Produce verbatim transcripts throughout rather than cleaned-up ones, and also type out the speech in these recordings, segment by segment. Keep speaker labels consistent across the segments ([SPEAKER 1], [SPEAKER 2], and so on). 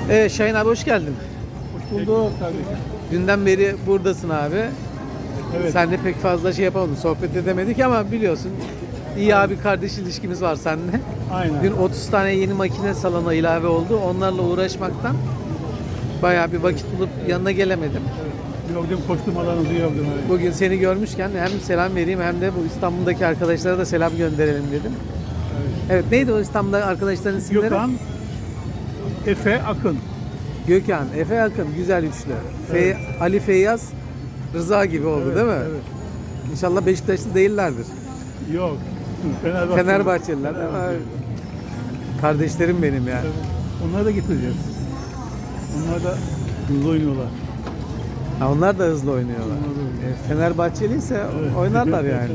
[SPEAKER 1] Evet Şahin abi hoş geldin.
[SPEAKER 2] Hoş bulduk kardeşim.
[SPEAKER 1] Dünden beri buradasın abi.
[SPEAKER 2] Evet.
[SPEAKER 1] Sen de pek fazla şey yapamadık, sohbet edemedik ama biliyorsun iyi abi kardeş ilişkimiz var seninle.
[SPEAKER 2] Aynen.
[SPEAKER 1] Dün otuz tane yeni makine salona ilave oldu. Onlarla uğraşmaktan bayağı bir vakit bulup yanına gelemedim.
[SPEAKER 2] Gördüm, koşturmalarınızı gördüm. Evet.
[SPEAKER 1] Bugün seni görmüşken hem selam vereyim hem de bu İstanbul'daki arkadaşlara da selam gönderelim dedim.
[SPEAKER 2] Evet.
[SPEAKER 1] Evet neydi o İstanbul'da arkadaşların isimleri?
[SPEAKER 2] Gökhan, Efe, Akın.
[SPEAKER 1] Gökhan, Efe Akın, güzel üçlü. Fe-
[SPEAKER 2] Evet.
[SPEAKER 1] Ali Feyyaz, Rıza gibi oldu
[SPEAKER 2] Evet,
[SPEAKER 1] değil mi?
[SPEAKER 2] Evet.
[SPEAKER 1] İnşallah Beşiktaşlı değillerdir.
[SPEAKER 2] Yok. Fenerbahçe.
[SPEAKER 1] Fenerbahçeliler değil mi?
[SPEAKER 2] Fenerbahçe.
[SPEAKER 1] Kardeşlerim benim yani.
[SPEAKER 2] Evet. Onları da getireceğiz. Onlar da hızlı oynuyorlar.
[SPEAKER 1] Ha, onlar da hızlı oynuyorlar.
[SPEAKER 2] Onlar da oynuyor.
[SPEAKER 1] E, Fenerbahçeliyse
[SPEAKER 2] Evet.
[SPEAKER 1] oynarlar yani.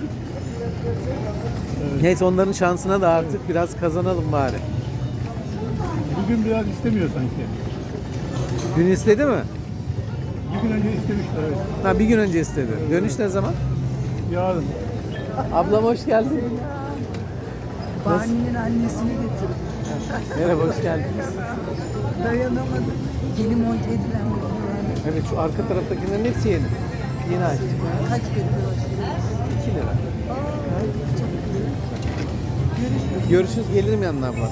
[SPEAKER 2] Evet.
[SPEAKER 1] Neyse onların şansına da artık biraz kazanalım bari.
[SPEAKER 2] Bugün biraz istemiyor sanki.
[SPEAKER 1] Dün istedi mi?
[SPEAKER 2] Bir gün önce istemişler. Evet.
[SPEAKER 1] Ha bir gün önce istedi. Dönüş ne zaman?
[SPEAKER 2] Yarın.
[SPEAKER 1] Ablam hoş geldin.
[SPEAKER 3] Bani'nin annesini getirdim.
[SPEAKER 1] Merhaba hoş geldiniz.
[SPEAKER 3] Dayanamadım. Yeni monte edilen bir yani.
[SPEAKER 1] Evet şu arka taraftakilerin hepsi yeni. Yeni açtık.
[SPEAKER 3] Kaç bekliyor şimdi?
[SPEAKER 1] iki lira.
[SPEAKER 3] Aa, çok iyi. Görüşürüz.
[SPEAKER 1] Görüşürüz gelirim yanına abla.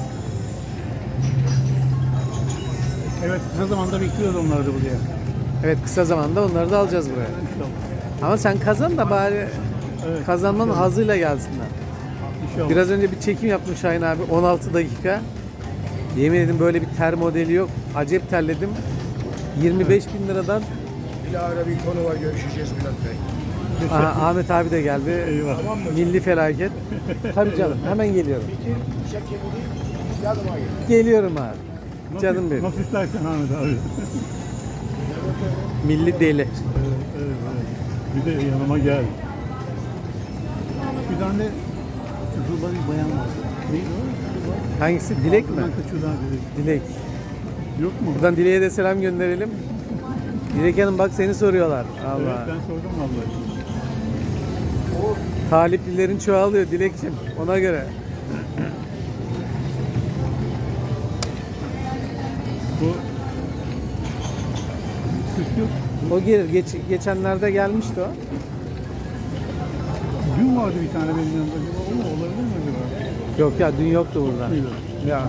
[SPEAKER 2] Evet, kısa zamanda bekliyoruz onları da buraya.
[SPEAKER 1] Evet kısa zamanda onları da alacağız buraya.
[SPEAKER 2] İnşallah.
[SPEAKER 1] Ama sen kazan da bari
[SPEAKER 2] Evet.
[SPEAKER 1] kazanmanın
[SPEAKER 2] İnşallah.
[SPEAKER 1] hazıyla gelsinler.
[SPEAKER 2] İnşallah.
[SPEAKER 1] Biraz önce bir çekim yaptım Şahin abi on altı dakika. Yemin ederim böyle bir ter modeli yok. Acayip terledim. yirmi beş bin liradan
[SPEAKER 4] Bilahare bir konu var, görüşeceğiz Bülent Bey.
[SPEAKER 1] aha, Ahmet abi de geldi.
[SPEAKER 2] Eyvah.
[SPEAKER 4] Tamam mı?
[SPEAKER 1] Milli felaket. Tabii canım hemen geliyorum.
[SPEAKER 4] Bitir, şekeri, yanıma gel.
[SPEAKER 1] Geliyorum abi.
[SPEAKER 2] Nasıl-
[SPEAKER 1] Canım benim.
[SPEAKER 2] Nasıl istersen Ahmet abi.
[SPEAKER 1] Milli deli.
[SPEAKER 2] Evet, evet, evet. Bir de yanıma gel. Bir tane Zula bir bayan var. Neydi o?
[SPEAKER 1] Hangisi? Dilek mi?
[SPEAKER 2] Altından kaçıyor daha Dilek.
[SPEAKER 1] Dilek.
[SPEAKER 2] Yok mu?
[SPEAKER 1] Buradan Dilek'e de selam gönderelim. Dilek Hanım bak seni soruyorlar. Allah.
[SPEAKER 2] Evet, ben sordum vallahi.
[SPEAKER 1] Taliplilerin çoğalıyor Dilekçim. Ona göre.
[SPEAKER 2] Bu süt yok.
[SPEAKER 1] O gelir. Geç, geçenlerde gelmişti o.
[SPEAKER 2] Dün vardı bir tane benim yanımda. Acaba o mu? Olabilir mi acaba?
[SPEAKER 1] Yok ya dün yoktu burada.
[SPEAKER 2] Muydu?
[SPEAKER 1] Ya.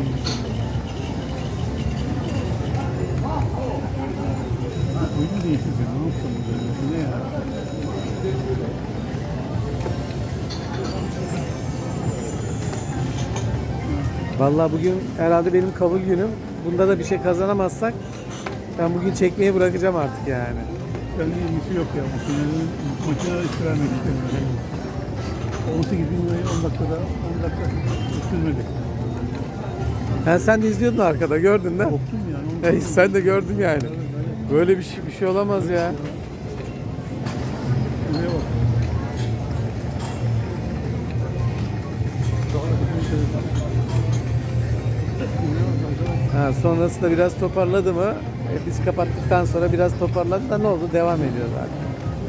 [SPEAKER 2] Oyunu değiştirdi. Ne yapsam böyle? Bu ne ya?
[SPEAKER 1] Vallahi bugün herhalde benim kabul günüm. Bunda da bir şey kazanamazsak ben bugün çekmeyi bırakacağım artık yani.
[SPEAKER 2] Seninle ilgisi yok ya. Makinenin makineye iş vermek istemiyorum. on sekiz bin lirayı on dakikada on dakika sürmedi.
[SPEAKER 1] Ha, sen de izliyordun arkada gördün değil mi?
[SPEAKER 2] Korktum yani. Onu
[SPEAKER 1] Hey, sen de gördün yani. Böyle bir şey, bir şey olamaz ya.
[SPEAKER 2] Şuraya bak.
[SPEAKER 1] Ha, sonrasında biraz toparladı mı? E, biz kapattıktan sonra biraz toparladı da ne oldu? Devam ediyor zaten.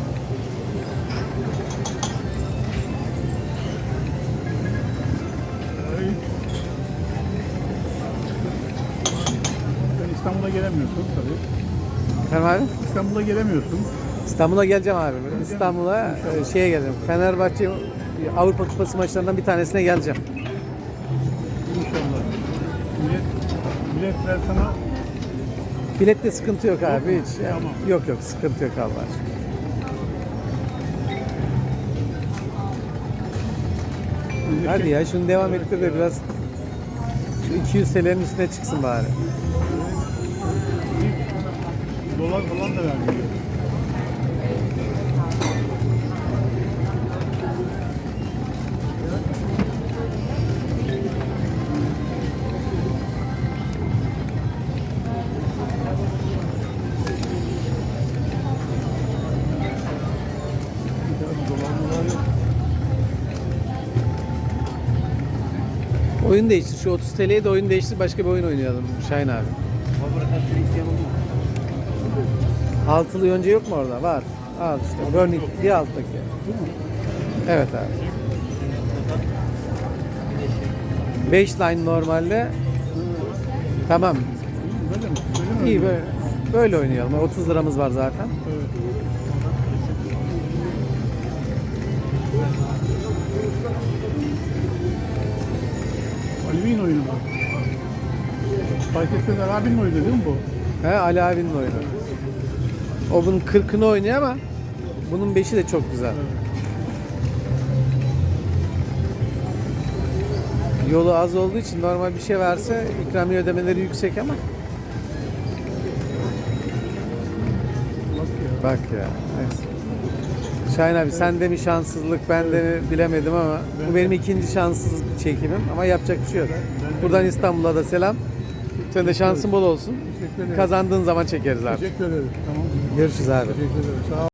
[SPEAKER 2] Ay. Sen İstanbul'a gelemiyorsun tabii.
[SPEAKER 1] Efendim abi?
[SPEAKER 2] İstanbul'a gelemiyorsun.
[SPEAKER 1] İstanbul'a geleceğim abi. İstanbul'a e, şeye geleceğim. Fenerbahçe Avrupa Kupası maçlarından bir tanesine geleceğim.
[SPEAKER 2] İnşallah. Millet, milletler sana
[SPEAKER 1] Bilette sıkıntı yok abi hiç. Yani,
[SPEAKER 2] Tamam.
[SPEAKER 1] yok yok sıkıntı yok Allah aşkına. Hadi ya şunu devam ettir de biraz şu iki yüz T L'nin üstüne çıksın bari.
[SPEAKER 2] dolar falan da vermiyor. Dolar dolar yok.
[SPEAKER 1] Oyun değiştir. Şu otuz T L'ye de oyun değiştir. Başka bir oyun oynayalım Şahin abi. Altılı yonca yok mu orada? Var. Al işte. Burning bir alttaki. Evet abi. beş line normalde. Tamam.
[SPEAKER 2] Böyle mi? Böyle mi?
[SPEAKER 1] İyi böyle. Böyle oynayalım. otuz liramız var zaten.
[SPEAKER 2] Evet. Ali'nin oyunu mu? Fark etmez Ali abinin oyunu değil mi bu?
[SPEAKER 1] He, Ali abinin oyunu. O bunun kırkını oynuyor ama bunun beşi de çok güzel. Yolu az olduğu için normal bir şey verse ikramiye ödemeleri yüksek ama
[SPEAKER 2] Bak ya.
[SPEAKER 1] bak ya. Neyse. Şahin abi sen de mi şanssızlık ben de mi bilemedim ama bu benim ikinci şanssız çekimim ama yapacak bir şey yok. Buradan İstanbul'a da selam. Sen de şansın bol olsun.
[SPEAKER 2] Teşekkür ederim.
[SPEAKER 1] Kazandığın zaman çekeriz abi.
[SPEAKER 2] Teşekkür ederim. Tamam.
[SPEAKER 1] Görüşürüz abi.
[SPEAKER 2] Teşekkür ederim. Sağ ol.